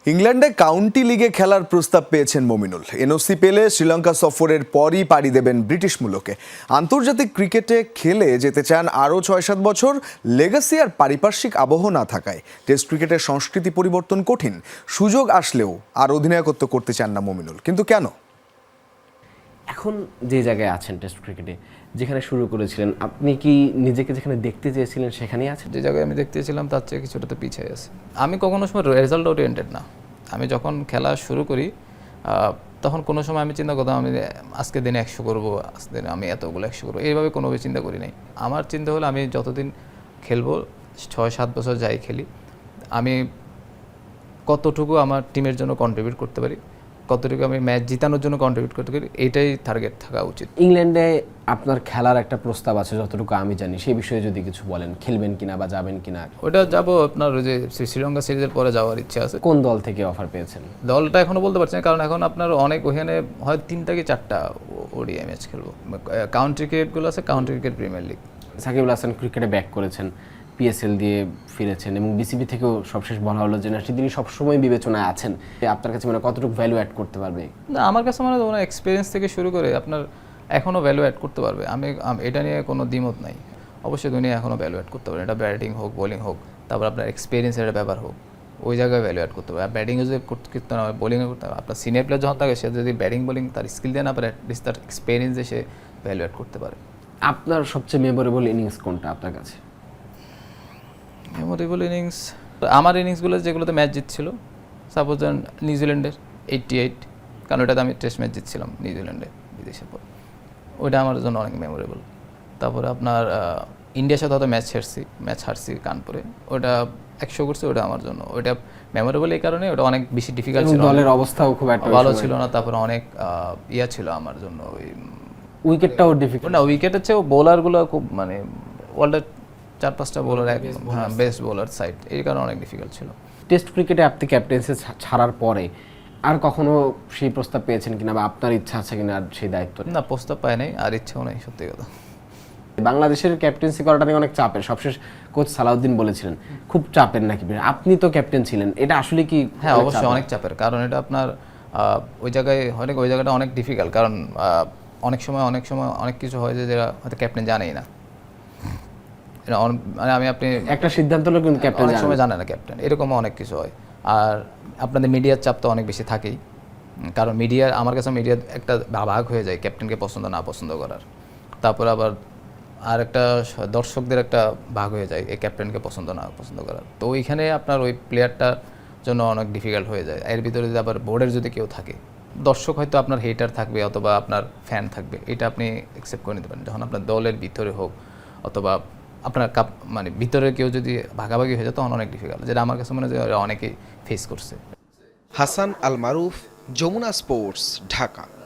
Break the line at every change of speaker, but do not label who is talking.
ইংল্যান্ডে কাউন্টি লিগে খেলার প্রস্তাব পেয়েছেন মমিনুল। এনওসি পেলে শ্রীলঙ্কা সফরের পরই পাড়ি দেবেন ব্রিটিশ মূলকে। আন্তর্জাতিক ক্রিকেটে খেলে যেতে চান আরও ৬-৭ বছর। লেগাসি আর পারিপার্শ্বিক আবহ না থাকায় টেস্ট ক্রিকেটের সংস্কৃতি পরিবর্তন কঠিন। সুযোগ আসলেও আর অধিনায়কত্ব করতে চান না মমিনুল। কিন্তু কেন?
এখন যে জায়গায় আছেন টেস্ট ক্রিকেটে, যেখানে শুরু করেছিলেন, আপনি কি নিজেকে যেখানে দেখতে চেয়েছিলেন সেখানেই আছেন?
যে জায়গায় আমি দেখতে চেয়েছিলাম তার চেয়ে কিছুটা তো পিছিয়ে আছে। আমি কখনো সময় রেজাল্ট ওরিয়েন্টেড না। আমি যখন খেলা শুরু করি তখন কোনো সময় আমি চিন্তা করতাম আমি আজকে দিনে 100 করবো, আজকে দিনে আমি এতগুলো 100 করবো, এইভাবে কোনোভাবে চিন্তা করি নাই। আমার চিন্তা হলো আমি যতদিন খেলবো, 6-7 বছর যাই খেলি, আমি কতটুকু আমার টিমের জন্য কন্ট্রিবিউট করতে পারি, কতটুকু আমি ম্যাচ জিতানোর জন্য কন্ট্রিবিউট করতে পারি, এইটাই টার্গেট থাকা উচিত।
ইংল্যান্ডে আপনার খেলার একটা প্রস্তাব আছে যতটুকু আমি জানি, সেই বিষয়ে যদি কিছু বলেন, খেলবেন কিনা বা যাবেন কিনা?
ওটা যাবো আপনার ওই যে শ্রীলঙ্কা সিরিজের পরে যাওয়ার ইচ্ছা আছে।
কোন দল থেকে অফার পেয়েছেন?
দলটা এখনো বলতে পারছি না, কারণ এখন আপনার অনেক ওখানে হয় 3টা কি 4টা ওডিআই ম্যাচ খেলবো। কাউন্টি ক্রিকেটগুলো আছে, county cricket premier league.
Shakib Al Hasan ক্রিকেটে ব্যাক করেছেন, পিএসএল দিয়ে ফিরেছেন এবং বিসিবি থেকেও সবশেষ বলা হলো যে না, তিনি সবসময় বিবেচনায় আছেন। আপনার কাছে মানে কতটুকু ভ্যালু অ্যাড করতে পারবে?
না, আমার কাছে মানে ওনার এক্সপিরিয়েন্স থেকে শুরু করে আপনার এখনও ভ্যালু অ্যাড করতে পারবে। আমি এটা নিয়ে কোনো দ্বিমত নাই। অবশ্যই দুনিয়া এখনও ভ্যালু অ্যাড করতে পারবে। এটা ব্যাটিং হোক, বোলিং হোক, তারপর আপনার এক্সপিরিয়েন্সের ব্যাপার হোক, ওই জায়গায় ভ্যালু অ্যাড করতে পারবে। আর ব্যাটিংয়ে যদি করতে না হয়, বোলিংয়ে করতে হবে। আপনার সিনিয়র প্লেয়ার যখন থাকে, সে যদি ব্যাটিং বোলিং তার স্কিল দিয়ে না পারে, অ্যাটলিস্ট তার এক্সপিরিয়েন্সে সে ভ্যালু অ্যাড করতে পারে।
আপনার সবচেয়ে মেমোরেবল ইনিংস কোনটা আপনার কাছে?
মেমোরেবল ইনিংস আমার ইনিংসগুলো যেগুলোতে ম্যাচ জিতছিল, সাপোজ নিউজিল্যান্ডের 88, কারণ ওটাতে আমি টেস্ট ম্যাচ জিতছিলাম নিউজিল্যান্ডে বিদেশের পর, ওইটা আমার জন্য অনেক মেমোরেবল। তারপরে আপনার ইন্ডিয়ার সাথে হয়তো ম্যাচ হারছি কানপুরে, ওটা 100 করছে, ওটা আমার জন্য ওইটা মেমোরেবল এই কারণে ওটা অনেক বেশি ডিফিকাল্ট ছিল,
দলের অবস্থাও খুব একটা
ভালো ছিল না। তারপরে অনেক ইয়া ছিল আমার জন্য, ওই
উইকেটটাও ডিফিকাল্ট
না, উইকেটের চেয়েও বোলারগুলো খুব মানে ওয়ার্ল্ডের 4-5টা বোলার একদম বেস্ট বোলার সাইড, এই কারণে অনেক ডিফিকাল্ট ছিল।
টেস্ট ক্রিকেটে আপনি ক্যাপ্টেন্সি ছাড়ার পরে আর কখনো সেই প্রস্তাব পেয়েছেন কিনা বা আপনার ইচ্ছা আছে কিনা আর সেই দায়িত্ব?
না, প্রস্তাব পাই নাই, আর ইচ্ছাও নেই, সত্যি কথা।
বাংলাদেশের ক্যাপ্টেন্সি করাটা নিয়ে অনেক চাপের, সবশেষ কোচ সালাউদ্দিন বলেছিলেন খুব চাপের নাকি। আপনি তো ক্যাপ্টেন ছিলেন, এটা আসলে কি?
হ্যাঁ, অবশ্যই অনেক চাপের, কারণ এটা আপনার ওই জায়গাটা অনেক ডিফিকাল্ট, কারণ অনেক সময় অনেক কিছু হয় যে যেটা হয়তো ক্যাপ্টেন জানেই না। মানে আপনি
একটা সিদ্ধান্ত হলো কিন্তু ক্যাপ্টেন
অনেক সময় জানে না ক্যাপ্টেন, এরকমও অনেক কিছু হয়। আর আপনাদের মিডিয়ার চাপ তো অনেক বেশি থাকেই, কারণ আমার কাছে মিডিয়ার একটা ভাগ হয়ে যায় ক্যাপ্টেনকে পছন্দ না পছন্দ করার। তারপর আবার আর একটা দর্শকদের একটা ভাগ হয়ে যায় এই ক্যাপ্টেনকে পছন্দ না পছন্দ করার। তো ওইখানে আপনার ওই প্লেয়ারটার জন্য অনেক ডিফিকাল্ট হয়ে যায়। এর ভিতরে যদি আবার বোর্ডের যদি কেউ থাকে, দর্শক হয়তো আপনার হেটার থাকবে অথবা আপনার ফ্যান থাকবে, এটা আপনি অ্যাকসেপ্ট করে নিতে পারেন। যখন আপনার দলের ভিতরে হোক অথবা আপনার মানে ভিতরে কেউ যদি ভাগাভাগি হয়ে যায়, তখন অনেক ডিফিকাল্ট, যেটা আমার কাছে মনে হয় অনেকেই ফেস করছে।
হাসান আল মারুফ, যমুনা স্পোর্টস, ঢাকা।